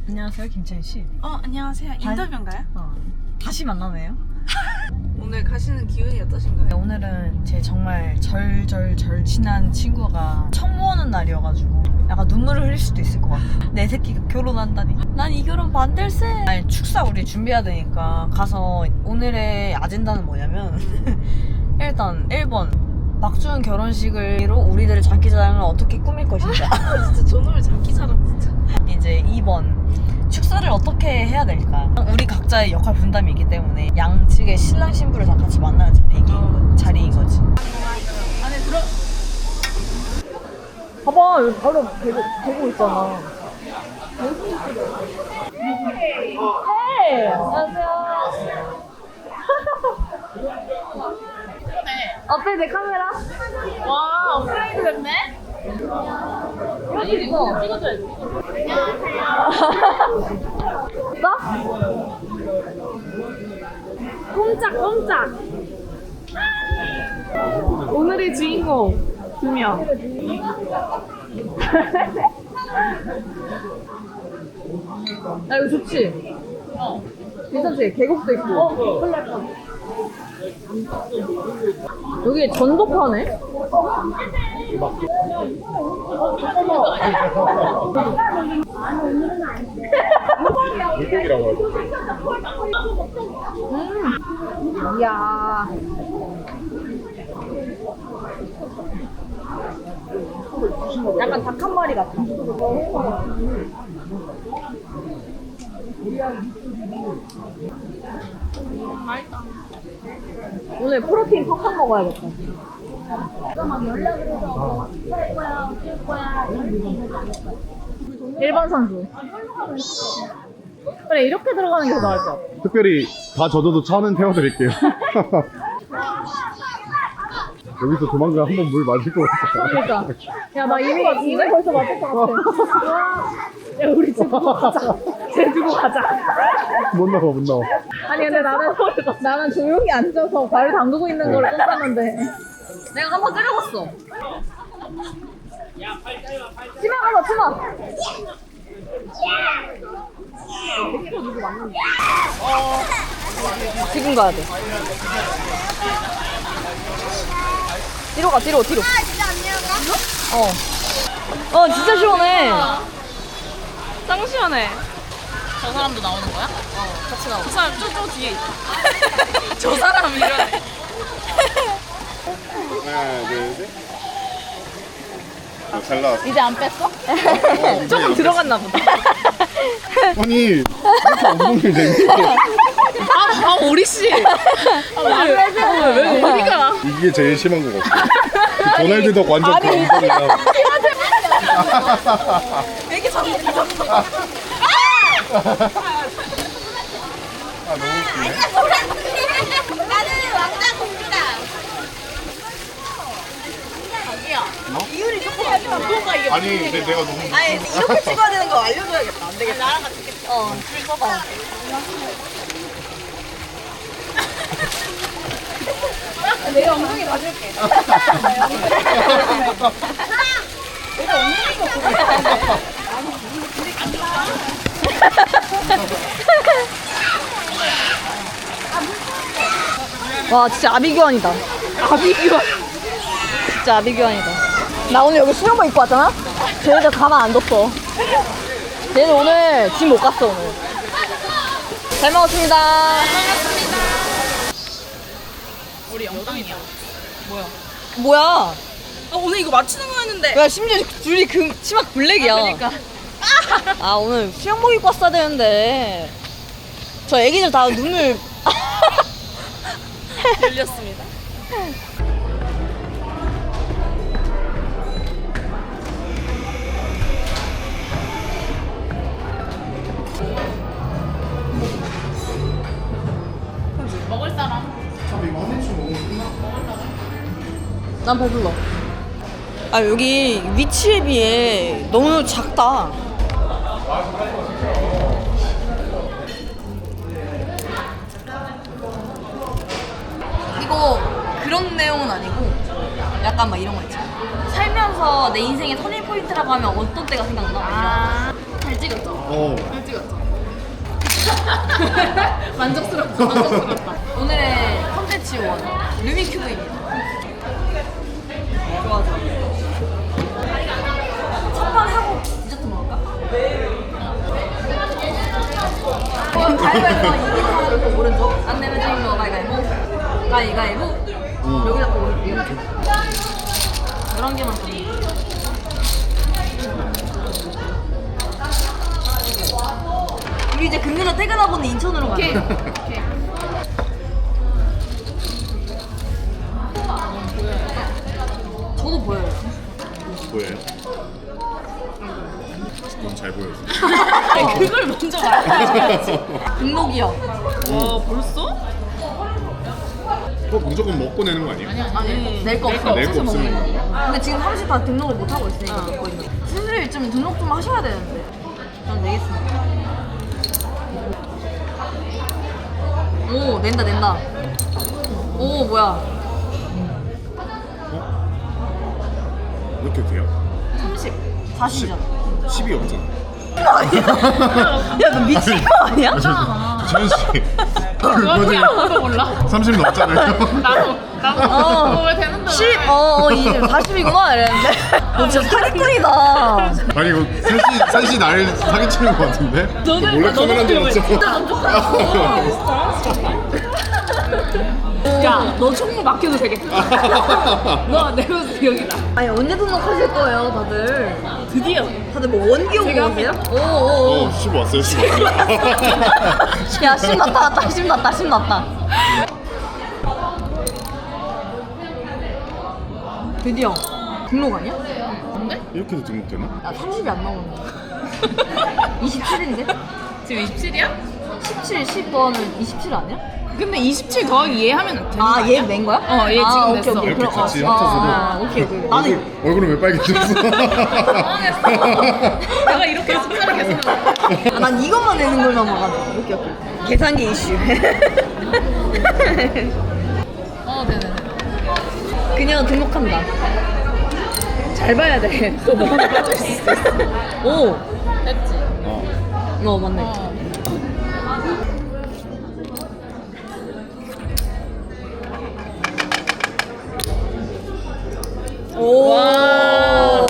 안녕하세요, 김채희 씨. 안녕하세요. 인터뷰인가요? 다시 만나네요. 오늘 가시는 기운이 어떠신가요? 오늘은 제 정말 절친한 친구가 청모하는 날이어가지고 약간 눈물을 흘릴 수도 있을 것 같아. 내 새끼가 결혼한다니. 난 이 결혼 반댈세. 아니, 축사 우리 준비해야 되니까 가서 오늘의 아젠다는 뭐냐면 일단 1번 박주은 결혼식으로 우리들의 장기자랑을 어떻게 꾸밀 것인가. 진짜 저놈의 장기자랑 진짜. 이제 2번 축사를 어떻게 해야 될까. 우리 각자의 역할 분담이 있기 때문에 양측의 신랑 신부를 다 같이 만나는 자리인 거지. 안에 들어. 봐봐, 여기 바로 대고 있잖아. 헤이! 안녕하세요. 어때, 내 카메라? 와, 업그레이드 됐네? 여기 있어. 찍어줘야지. 나? 꼼짝. 오늘의 주인공 2명. 야, 이거 좋지? 괜찮지? 계곡도 있고. 여기 전복하네? 물고기라고 하죠. 이야. 약간 닭 한 마리 같아. 오늘 프로테인 팍팍 먹어야겠다. 일반 선수. 그래, 이렇게 들어가는 게 더 나을 것 같아. 특별히 다 젖어도 차는 태워드릴게요. 여기서 조만간 한번 물 맞을 것 같아. 그러니까. 야, 나 이미 벌써 맞을 것 같아. 야, 우리 집 두고 가자. 쟤 두고 가자. 못 나와. 아니, 근데 나는 조용히 앉아서 발을 담그고 있는 걸 쫓았는데. 내가 한번 때려봤어. 치마 가봐, 치마. 지금 가야 돼. 뒤로 가, 뒤로. 진짜 안 내려가? 진짜 시원해. 짱 시원해. 저 사람도 나오는 거야? 같이 나와. 저 사람 저 뒤에 있다. 저 사람 이러네. 하나, 둘, 셋. 잘 나왔어. 이제 안 뺐어? 조금 들어갔나 보다. 아니, 이렇게 엉덩이를 내밀고 오리씨. 왜 어디가? 이게 제일 심한 것 같아. 도날드 덕 완전 그 엉덩이야. 이렇게 잡았어. 아, 너무 웃기네. 나는 왕자 공주다. 이유리 조금 뭔가 이게 아니, 근데 내가 너무 아니 이렇게 찍어야 되는 거 알려줘야겠다. 안 되겠다. 나랑 같이 찍겠다. 줄 서봐. 내가 엉덩이 봐줄게. 와, 진짜 아비규환이다. 아비규환. 진짜 아비규환이다. 나 오늘 여기 수영복 입고 왔잖아? 쟤네들 가만 안 뒀어. 쟤네들 오늘 집 못 갔어, 오늘. 잘 먹었습니다. 우리 영광이야. 뭐야? 오늘 이거 맞히는 거였는데. 야, 심지어 둘이 치마 블랙이야. 그러니까. 아, 오늘 수영복 입고 왔어야 되는데. 저 애기들 다 눈을. 열렸습니다. 먹을 사람. 난 배불러. 아, 여기 위치에 비해 너무 작다. 이거 그런 내용은 아니고 약간 막 이런 거 있잖아. 살면서 내 인생의 터닝 포인트라고 하면 어떤 때가 생각나? 잘 찍었죠? 어. 잘 찍었죠? 같아. 만족스럽다. 만족스럽다. 오늘의 컨텐츠 원 루미큐브입니다. 좋아 좋아. 첫판 하고 디저트 먹을까? 가위바위보 이긴 사람 오른쪽 안 내면 지는 거 가위바위보 가위바위보 여기다 또 오른쪽 11개만 더. 우리 이제 금요일에 퇴근하고는 인천으로 가자. 오케이. 저도 보여요. 보여요? 너무 잘 보여서. 그걸 먼저 말해야지. 등록이요. 와 벌써? 그거 무조건 먹고 내는 거 아니에요? 아니 낼 거 없어. 낼 거 없으면 먹는 근데 지금 30 다 등록을 못 하고 있으니까 먹고 있는. 슬슬 좀 등록 좀 하셔야 되는데. 전 내겠습니다. 오 낸다. 오 뭐야? 이렇게 돼요? 30, 40이잖아. 10이 없잖아. 야 너 미친 거 아니야? 재현 씨. 그거지 아무도 몰라. 30 넘잖아요. 나도 그거 왜 되는데? 10, 이제 40이구나 이랬는데. 너 진짜 사기꾼이다. 아니 이거 셋이 나를 사기치는 거 같은데? 너는- 몰래 카메라 너는 들었어. 야, 너 총무 맡겨도 되겠다. 너 내가 여기다. 아니 언제 등록하실 거예요 다들? 드디어. 다들 뭐 원기용 제가 보세요? 오오오. 10 왔어요 10 왔어요. 야, 10 났다. 드디어 등록 아니야? 뭔데? 이렇게도 등록되나? 나 30이 안 나오는데. 27인데? 지금 27이야? 17, 10번은 27 아니야? 근데 27 더하기 얘 하면 되는 거 아, 아니야? 얘 낸 거야? 어, 얘 지금 냈어. 오케이. 이렇게 그럼, 같이 합쳐서도. 오케이. 나는 얼굴은 왜 빨개졌어? 당황했어. 내가 이렇게 숫자를 계속 넣어. 난 이것만 내는 걸만 봐가지고. 오케이. 계산기 이슈. 네네네. 그냥 등록한다. 잘 봐야 돼. 또 뭐가 빠질 수 있어. 오. 됐지? 맞네. 오. 와.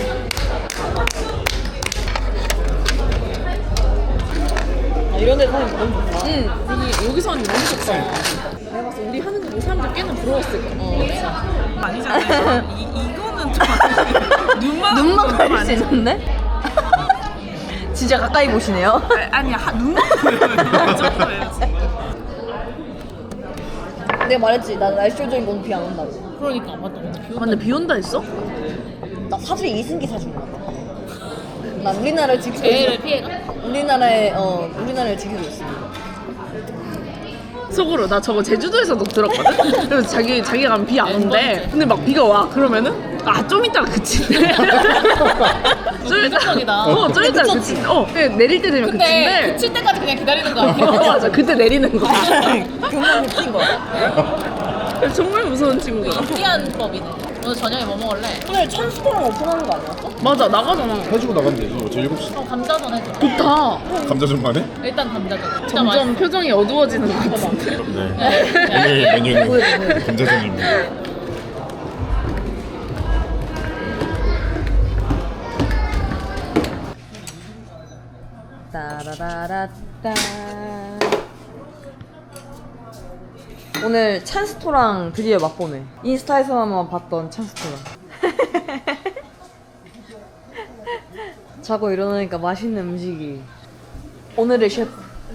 이런 데 사는 거 너무 좋다. 여기서 하는 게 너무 좋다. 내가 봤을 때 우리 하는 거 이 사람들 꽤나 부러웠을 거야. 아니잖아요. 이거는 좀 아니지. 눈만 가릴 수 있는데? 진짜 가까이 보시네요. 아니야, 눈만 보여요. 이 정도예요. 내가 말했지, 나 날씨 조정이 오늘 비 안 온다고. 그러니까 맞다. 오늘 비 온다. 근데 비 온다 했어? 나 사실 이승기 사준 거야. 나 우리나라를 지키고 제일 있어. 피해가? 우리나라를 지키고 있어. 속으로 나 저거 제주도에서도 들었거든? 그래서 자기가 가면 비 안 온대. 근데 막 비가 와. 그러면은 좀 이따가 그친대. 좀 이따가. 좀 이따가 그친대. 그냥 내릴 때 되면 그친대. 그칠 때까지 그냥 기다리는 거 아니야? 맞아. 그때 내리는 거야. 경험이 핀 거야. 정말 무서운 친구야. 특이한 법이네. 오늘 저녁에 뭐 먹을래? 오늘 천스토랑 오픈하는 거 아니었어? 맞아. 나가잖아. 해주고 나가면 되지. 저 7시. 감자전 해줘. 좋다. 감자전만 해? 일단 감자전. 진짜 점점 맛있어. 표정이 어두워지는 것 같은데. 네. 오늘 메뉴는 감자전입니다. 따라라라따. 오늘 찬스토랑 드디어 맛보네. 인스타에서만 봤던 찬스토랑. 자고 일어나니까 맛있는 음식이. 오늘의 셰프.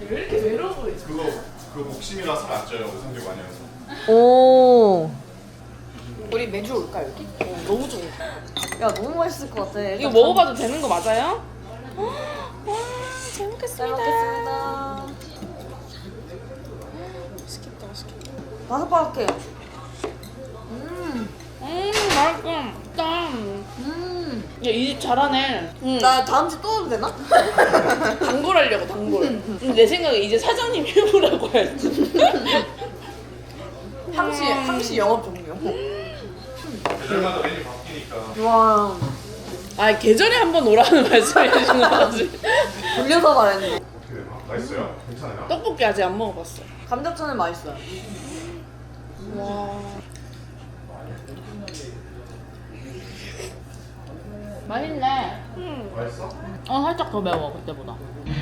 그거 목심이라 살 안 쪄요. 오삼겹 많이 해서. 오. 우리 매주 올까 여기? 너무 좋아. 야 너무 맛있을 것 같아. 이거 먹어봐도 되는 거 맞아요? 잘 먹겠습니다. 맛있겠다. 바삭바삭해. 맛있어. 짱. 야, 이 집 잘하네. 나 다음 주 또 오도 되나? 단골하려고 단골. 근데 내 생각에 이제 사장님 해보라고 해야지. 항시 영업 종료. 그래마다 메뉴 바뀌니까. 와. 아 계절에 한 번 오라는 말씀해 주신 거지. 돌려서 말했는데. 맛있어요? 괜찮아요? 떡볶이 아직 안 먹어봤어. 감자전은 맛있어요. 와. 맛있네. 맛있어? 살짝 더 매워 그때보다.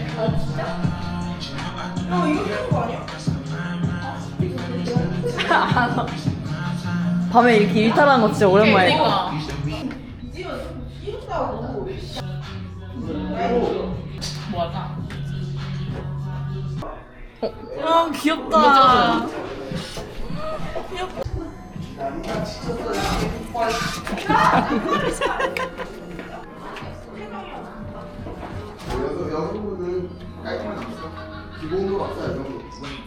밤에 이렇게 일탈하는 거 진짜 오랜만이야. 그러니까. 뭐할까? 아 귀엽다. 여성분은 깔끔한 기본으로 왔어요.